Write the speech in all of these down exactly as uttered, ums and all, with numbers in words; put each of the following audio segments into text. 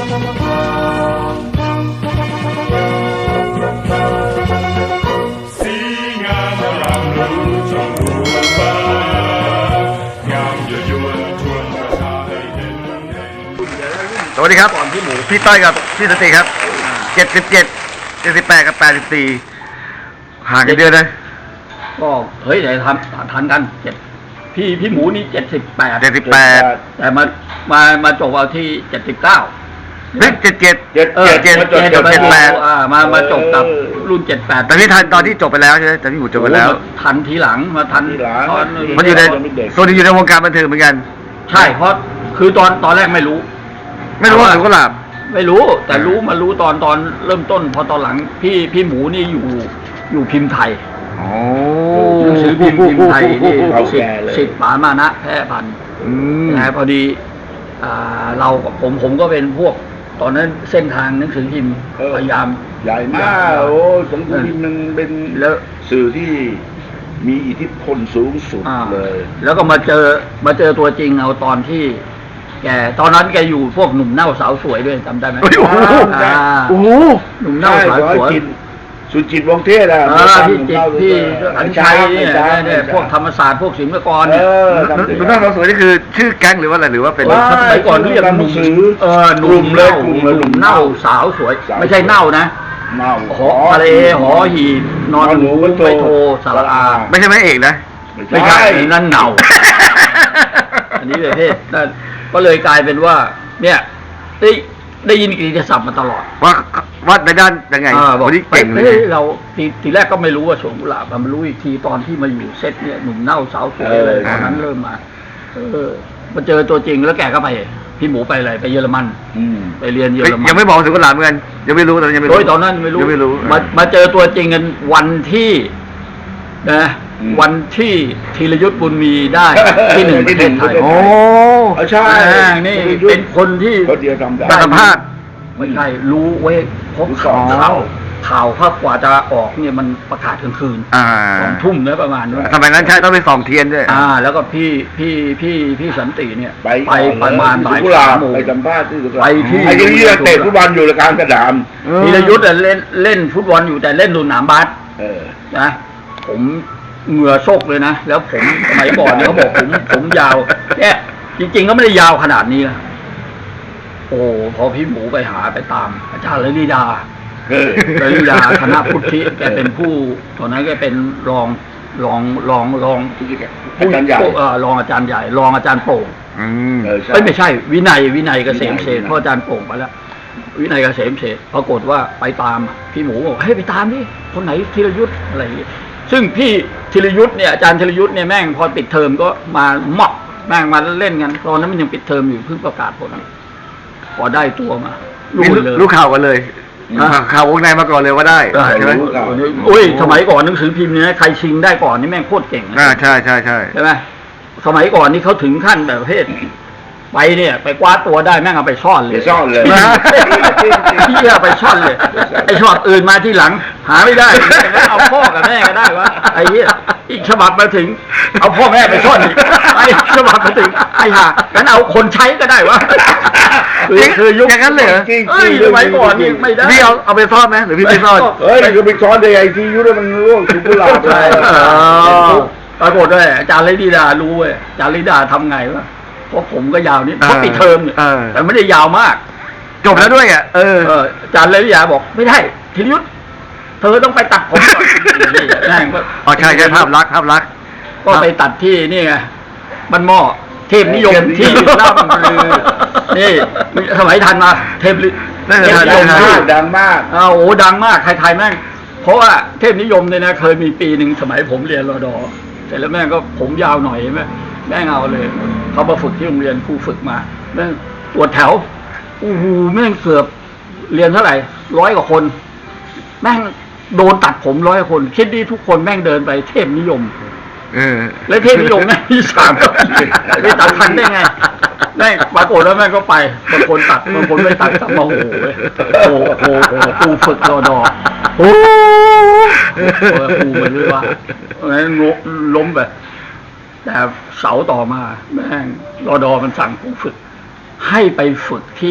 สวัสดีครับพี่หมูพี่ต้อยกับพี่สติครับเจ็ดสิบเจ็ดเจ็ดสิบแปดกับแปดสิบสี่ห่างกันเดือนเลยก็เฮ้ยไหนทันทันกันเจ็ดพี่พี่หมูนี่เจ็ดสิบแปดเจ็ดสิบแปดแต่มามามาจบเอาที่เจ็ดสิบเก้าเฮ้ยเจ็ดเจ็ดเจ็ดเจ็ดเจ็ดเจ็ดเจ็ดแปดอ่ามามาจบกับรุ่นเจ็ดแปดแต่พี่ทันตอนที่จบไปแล้วใช่ไหมแต่พี่หมูจบไปแล้วทันทีหลังมาทันทีหลังมันอยู่ในตัวนี้อยู่ในวงการบันเทิงเหมือนกันใช่เพราะคือตอนตอนแรกไม่รู้ไม่รู้ว่าถึงก็หลับไม่รู้แต่รู้มารู้ตอนตอนเริ่มต้นพอตอนหลังพี่พี่หมูนี่อยู่อยู่พิมพ์ไทยโอ้หนังสือพิมพ์พิมพ์ไทยนี่สิบสิบป๋ามานะแพ้พันนะพอดีเราผมผมก็เป็นพวกตอนนั้นเส้นทางหนังสือพิมพ์พยายามใหญ่มากโอ้หนังสือพิมพ์มันเป็นแล้วสื่อที่มีอิทธิพลสูงสุดเลยแล้วก็มาเจอมาเจอตัวจริงเอาตอนที่แกตอนนั้นแกอยู่พวกหนุ่มเน่าสาวสวยด้วยจำได้ไหมโอ้โหหนุ่มเน่าสาวสวยสุจิตวงเทศอะพี่จิตพี่อัญชัยเนี่ยเนี่ยพวกธรรมศาสตร์พวกศิลปากรเนี่ยหนุ่มเน่าสาวสวยนี่คือชื่อแก๊งหรือว่าอะไรหรือว่าเป็นสมัยก่อนเรียกหนุ่มเออหนุ่มเลยกลุ่มหนุ่มเน่าสาวสวยไม่ใช่เน่านะเน่าหอทะเลหอหีบนอนหนูไม่โทสระอาไม่ใช่แม่เอกนะไม่ใช่นั่นเน่าอันนี้เลยเทศก็เลยกลายเป็นว่าเนี่ยได้ได้ยินกิติศัพท์มาตลอดว่าวัดในด้านยังไงวันนี้เก่งเลยเราทีทีแรกก็ไม่รู้ว่าสวนกุหลาบมารู้อีกทีตอนที่มาอยู่เซตเนี่ยหนุ่มเน่าสาวสวยเลยตอนนั้นเริ่มมาเออมาเจอตัวจริงแล้วแกก็ไปพี่หมูไปเลยไปเยอรมันไปเรียนเยอรมันยังไม่บอกสวนกุหลาบเหมือนกันยังไม่รู้ตอนยังไม่รู้ตอนนั้นไม่รู้ไม่รู้มามาเจอตัวจริงกันวันที่นะวันที่ธีรยุทธบุญมีได้ที่หนึ่งประเทศไทยโอ้ใช่นี่เป็นคนที่เดียวทำได้สัมภาษณ์ไม่ใช่รู้เว้ยพบข่าวข่าวภาพกว่าจะออกเนี่ยมันประกาศกลางคืนสองทุ่มเนี่ยประมาณนั้นทำไมนั้นใช่ต้องไปส่องเทียนด้วยอ่าแล้วก็พี่พี่พี่พี่สันติเนี่ยไปไปประมาณบ่ายสามโมงไปสัมภาษณ์ที่ไปที่ไอ้ที่เตะฟุตบอลอยู่ในการกระดามธีรยุทธเล่นเล่นฟุตบอลอยู่แต่เล่นดูหนามบาสนะผมเหงื่อโชกเลยนะแล้วผมสมัยก่อนเนี่ยเขาบอกผมผมยาวเนี่ยจริงๆก็ไม่ได้ยาวขนาดนี้นะโอ้พอพี่หมูไปหาไปตามอาจารย์ฤทธิดาฤทธิดาคณะพุทธิแกเป็นผู้ตอนนั้นแกเป็นรองรองรองรองอาจารย์ใหญ่รองอาจารย์ใหญ่รองอาจารย์โป่งไม่ใช่วินัยวินัยเกษมเศษเพราะอาจารย์โป่งไปแล้ววินัยเกษมเศษปรากฏว่าไปตามพี่หมูบอกให้ไปตามดิคนไหนธีรยุทธอะไรอย่างนี้ซึ่งพี่ธีรยุทธเนี่ยอาจารย์ธีรยุทธเนี่ยแม่งพอปิดเทอมก็มาหมอกแม่งมาเล่นกันตอนนั้นมันยังปิดเทอมอยู่เพิ่งประกาศผลพอได้ตัวมารู้เลยรู้ข่าวกันเลยข่าววงในมาก่อนเลยว่าได้ใช่ไหมโอ้ยสมัยก่อนหนังสือพิมพ์เนี่ยใครชิงได้ก่อนนี่แม่งโคตรเก่งอ่าใช่ใช่ใช่ใช่ไหมสมัยก่อนนี่เขาถึงขั้นแบบประเภทไปเนี่ยไปคว้าตัวได้แม่งเอาไปซ่อนเลยซ่อนเลยพี่เอาไปซ่อนเลยไอ้ฉบับอื่นมาที่หลังหาไม่ได้เอาพ่อกับแม่ก็ได้วะไอ้เหี้ยอีกฉบับมาถึงเอาพ่อแม่ไปซ่อนอีกไอ้ฉบับมาถึงไอ้ห่างั้นเอาคนใช้ก็ได้วะคือยุคอย่างนั้นเลยเอ้ยสมัยก่อนนี่ไม่ได้พี่เอาเอาไปซ่อนไหมหรือพี่ไปซ่อนเฮ้ยคือไปซ่อนได้ไอ้ที่ยุคนั้นมันร่วงสุกุหลาบเลยปรากฏด้วยอาจารย์ฤทธิดารู้เว้ยอาจารย์ฤทธิดาทำไงวะเพราะผมก็ยาวนิดเพราะปิดเทอมเนี่ยแต่ไม่ได้ยาวมากจบแล้วด้วยอ่ะเอออาจารย์เลยวิทยาบอกไม่ได้ธีรยุทธเธอต้องไปตัดผมก่อนนี่อ๋อใช่ใช่ภาพลักษณ์ภาพลักษณ์ก็ไปตัดที่นี่ไงบ้านหม้อเทพนิยมที่เล่าลือนี่สมัยทันมาเทพนิยมดังมากอ้าวโอ้ดังมากใครๆแม่งเพราะว่าเทพนิยมเนี่ยนะเคยมีปีหนึ่งสมัยผมเรียนรอดอเสร็จแล้วแม่งก็ผมยาวหน่อยแม่แม่งเอาเลยเขามาฝึกที่โรงเรียนครูฝึกมาแม่งตรวจแถวอู้หูแม่งเกือบเรียนเท่าไหร่ร้อยกว่าคนแม่งโดนตัดผมร้อยคนคิดดีทุกคนแม่งเดินไปเทพนิยมเออแล้วเทพนิยมแม่งที่สามไปตัดทันได้ไงแม่งปรากฏแล้วแม่งก็ไปบางคนตัดบางคนไม่ตัดกลับมาโอ้โหโอ้โหครูฝึกรอดอโอ้ครูเหมือนเลยว่างั้นล้มไปแต่เสาต่อมาแม่งรอดอมันสั่งผู้ฝึกให้ไปฝึกที่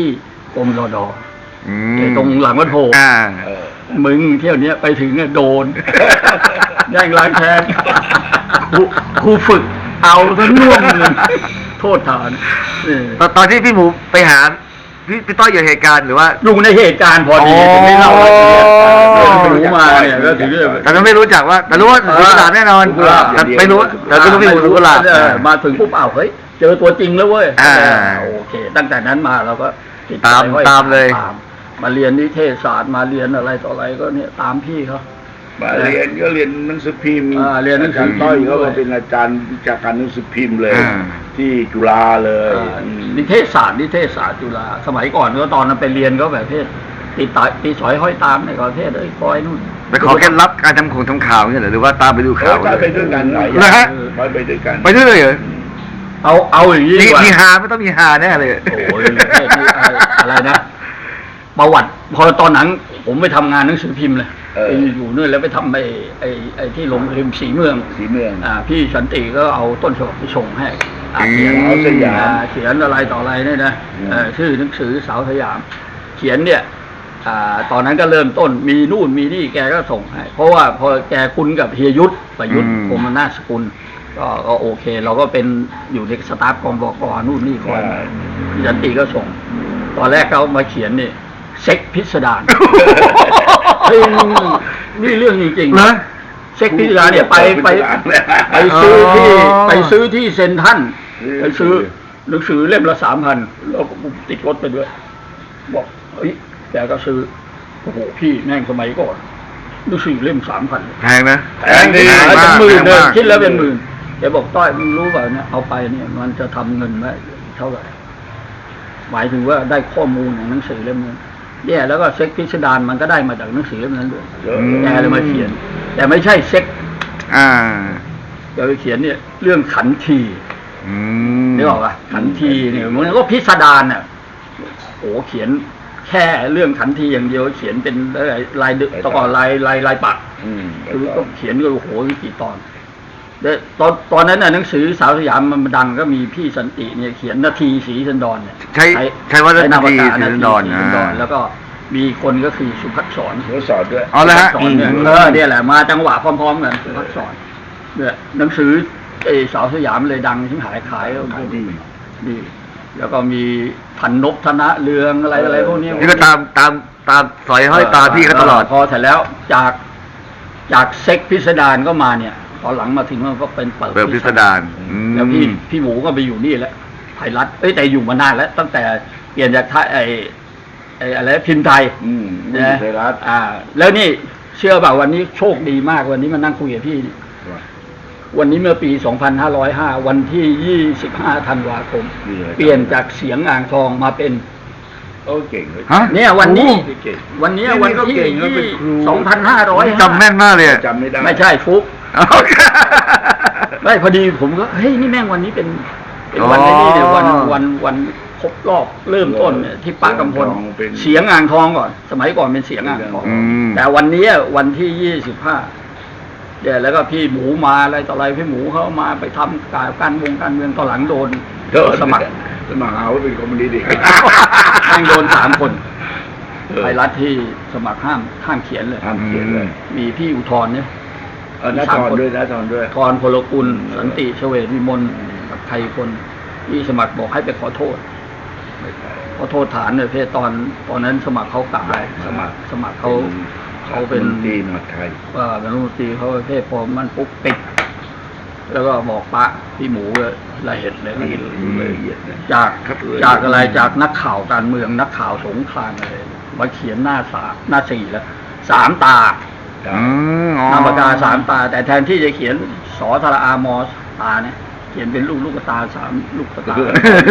กรมรดอืไอ้มตรงหลังวัดโพอ่าเออมึงเที่ยวเนี้ยไปถึงเนี่ยโดน แย่งล้างแค้นครูครูฝึกเอาทั้งน่วมเลยโทษฐานเออตอนตอนที่พี่หมูไปหาพี่พี่ต้อยอยู่เหตุการณ์หรือว่าอยู่ในเหตุการณ์พอดีอ๋อถึงได้เล่ารายละเอียดเรื่องหนูมาเนี่ยก็ถึงได้แต่เราไม่รู้จักว่า แต่รู้ว่าสุกุหลาบแน่นอนสุกุหลาบแต่ไม่รู้แต่ไม่รู้พี่หมูสุกุหลาบเออมาถึงปุ๊บอ้าวเฮ้ยเจอตัวจริงแล้วเว้ยอ่าเออโอเค ตั้งแต่นั้นมาเราก็ติดใจตามไว้ตามเลยตามมาเรียนนิเทศศาสตร์มาเรียนอะไรต่ออะไรก็เนี่ยตามพี่เขามาเรียนก็เรียนหนังสือพิมพ์อ่าเรียนหนังสือพิมพ์าจารย์ต้อยก็ด้วยเป็นอาจารย์วิชาการหนังสือพิมพ์เลยอ่าที่จุฬาเลยอ่านิเทศศาสตร์นิเทศศาสตร์จุฬาสมัยก่อนก็ตอนนั้นไปเรียนก็แบบเพศตีตาตีสอยห้อยตามในประเทศเอ้ยคอยนู่นไปขอเคล็ดลับการทำของทำข่าวเนี่ยเหรอหรือว่าตามไปดูเขาข่าวจะไปด้วยกันหลายอเหรอย่าง ฮะไปไปด้วยกันไปด้วยเลยเหรอเอาเอาอย่างนี้มีดีกว่ามีฮาไม่ต้องมีฮาแน่เลยโอ้ยอะไรนะประวัติพอตอนหนังผมไปทำงานหนังสือพิมพ์เลยเออไปอยู่นู่นแล้วไปทำไอ้ไอ้ไอ้ที่ลงพิมพ์สีเมืองสีเมืองอ่าพี่สันติก็เอาต้นฉบับไปส่งให้อ่าเขียนสาวสยามอ่เขียนอะไรต่ออะไรเนี่ยนะอืมเอ่อชื่อหนังสือสาวสยาม เขียนเนี่ยอ่าตอนนั้นก็เริ่มต้นมีนู่นมีนี่แกก็ส่งให้ เพราะว่าพอแกคุ้นกับเฮียยุทธประยุทธ์พรหมนาถสกุลก็ก็โอเค เราก็เป็นอยู่ในสตาฟกองบกนู่นนี่คอยมาพี่สันติก็ส่ง ตอนแรกเขามาเขียนนี่เซ็กพิสดารเฮ้ยนี่เรื่องจริงๆเหรอเซ็กพิสดารเนี่ยไปไป ไปซื้อที่ไปซื้อที่เซ็นทรัลไปซื้อหนังสือเล่มละสามพันแล้วก็ติดรถไปด้วย บอกเฮ้ยแกก็ซื้อโอ้โหพี่แม่งสมัยก่อนหนังสือเล่มสามพันแพงนะแพงดีเป็นหมื่นเลยคิดแล้วเป็นหมื่นแกบอกต้อยมึงรู้เปล่าเนี่ยเอาไปเนี่ยมันจะทำเงินไว้เท่าไหร่หมายถึงว่าได้ข้อมูลของหนังสือเล่มนั้นเนี่ยแล้วก็เซ็กพิสดารมันก็ได้มาจากหนังสือเล่มนั้นด้วยอืมแกเลยมาเขียน แต่ไม่ใช่เซ็กอ่าแกไปเขียนเนี่ยเรื่องขันทีอืมนึกออกป่ะขันทีเนี่ยมันก็พิสดารน่ะโอ้เขียนแค่เรื่องขันทีอย่างเดียวเขียนเป็นลายลายดึกตะกอนลายลายลายปักอืมคือก็เขียนก็โอ้โหกี่ตอนแต่ตอนตอนนั้นน่ะหนังสือสาวสยามมันดังก็มีพี่สันติเนี่ยเขียนนาทีสีสันดรเนี่ยใช้ใช้ว่าใช้นามปากกานาทีสีสันดรนาทีสีสันดรอ่าแล้วก็มีคนก็คือสุภักษรเขาสอนด้วยเอาละฮะสุภักษรเนี่ยเออเนี่ยแหละมาจังหวะพร้อมๆกันสุภักษรเนี่ยหนังสือไอ้สาวสยามเลยดังที่หายขายขายดีดีแล้วก็มีพันนพธนะเรืองอะไรอะไรพวกนี้นี่ก็ตามตามตามสอยห้อยตามพี่เขาตลอดพอเสร็จแล้วจากจากเซ็กพิสดารก็มาเนี่ยตอนหลังมาถึงมันก็เป็นเปิดเปิดพิสดารอืมแล้วพี่พี่หมูก็ไปอยู่นี่แหละไทยรัฐเอ้ยแต่อยู่มานานแล้ว ตั้งแต่เปลี่ยนจากไทยไอ้ไอ้อะไรพิมพ์ไทยอืมนะไทยรัฐอ่า แล้วนี่เชื่อเปล่าวันนี้โชคดีมากวันนี้มานั่งคุยกับพี่นี่วันนี้เมื่อปี สองพันห้าร้อยห้า วันที่ ยี่สิบห้า ธันวาคม เปลี่ยนจากเสียงอ่างทองมาเป็นโอ้เก่งเลยฮะเนี่ยวันนี้เก่งวันเนี้ยนี่วันก็ที่เก่งแล้วเป็นครูสองพันห้าร้อยจำแม่นมากเลยอะจำไม่ได้ไม่ใช่ฟุกไม่พอดีผมก็เฮ้ยนี่แม่งวันนี้เป็นเป็นวันอ๋อนี้เนี่ยวันวันวันครบรอบเริ่มต้นเนี่ยที่ปากกำพลเสียงอ่างทองก่อน สมัยก่อนเป็นเสียงอ่างทองอืมแต่วันนี้วันที่ยี่สิบห้าเดี๋ยวแล้วก็พี่หมูมาอะไรต่ออะไรพี่หมูเขามาไปทำการการวงการเมืองตอนหลังโดนเดินสมัครสมัครหาว่าเป็นคอมมิวนิสต์อีกแม่งโดนสามคนเออไทยรัฐที่สมัครห้ามห้ามเขียนเลยห้ามเขียนเลยมีพี่อุทธรเนี่ยเออน้าทอนด้วยน้าทอนด้วยทรพลกุลสันติเฉวตวิมลกับไทยคนที่สมัครบอกให้ไปขอโทษ ขอโทษฐานเลยเพศตอนตอนนั้นสมัครเขากลับไปสมัครสมัครเขาเขาเป็นดีมหาดไทยว่าเป็นรัฐมนตรีเขาประเภทพอมันปุ๊บปิดแล้วก็บอกปะพี่หมูเลยละเอียดเลยละเอียดละเอียดเลยจากครับจากอะไรจากนักข่าวการเมืองนักข่าวสงครามอะไรมาเขียนหน้าสามหน้าสี่แล้วสามตาอืมอ๋อนามปากกาสามตา แต่แทนที่จะเขียนสอทรอามอตาเนี่ยเขียนเป็นลูกลูกตาสามลูกตา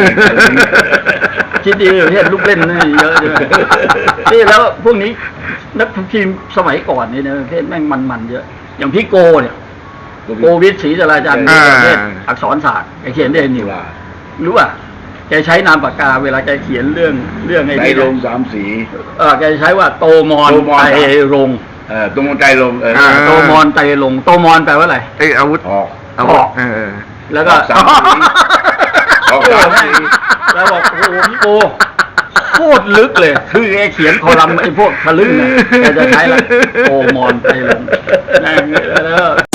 คิดดีประเทศลูกเล่นนี่เยอะเลยนี่แล้วพวกนี้นักทีมสมัยก่อนนี่นะประเทศแม่งมันๆเยอะ อย่างพี่โกเนี่ยโกวิทศรีจราจันทร์ประเทศอักษรศาสตร์แกเขียนได้นิวรู้ป่ะแกใช้นามปากกาเวลาแกเขียนเรื่องเรื่องไอ้ใจนี่ลงสามสีเออแกใช้ว่าโตมอนโตมอนไตรรงค์เออตรงใจลงเอออ่าโตมอนไตรรงค์โตมอนแปลว่าอะไรไอยอาวุธออกอาวุธเออแล้วก็สามสีออกโอ้สามแม่งสีแล้วบอกโอ้โหพี่โกโคโคตรลึกเลย คือแกเขียนคอลัมน์ไอ้พวกทะลึ่งเนี่ยแกจะใช้ละโอมอนไปลงนั่งแล้ว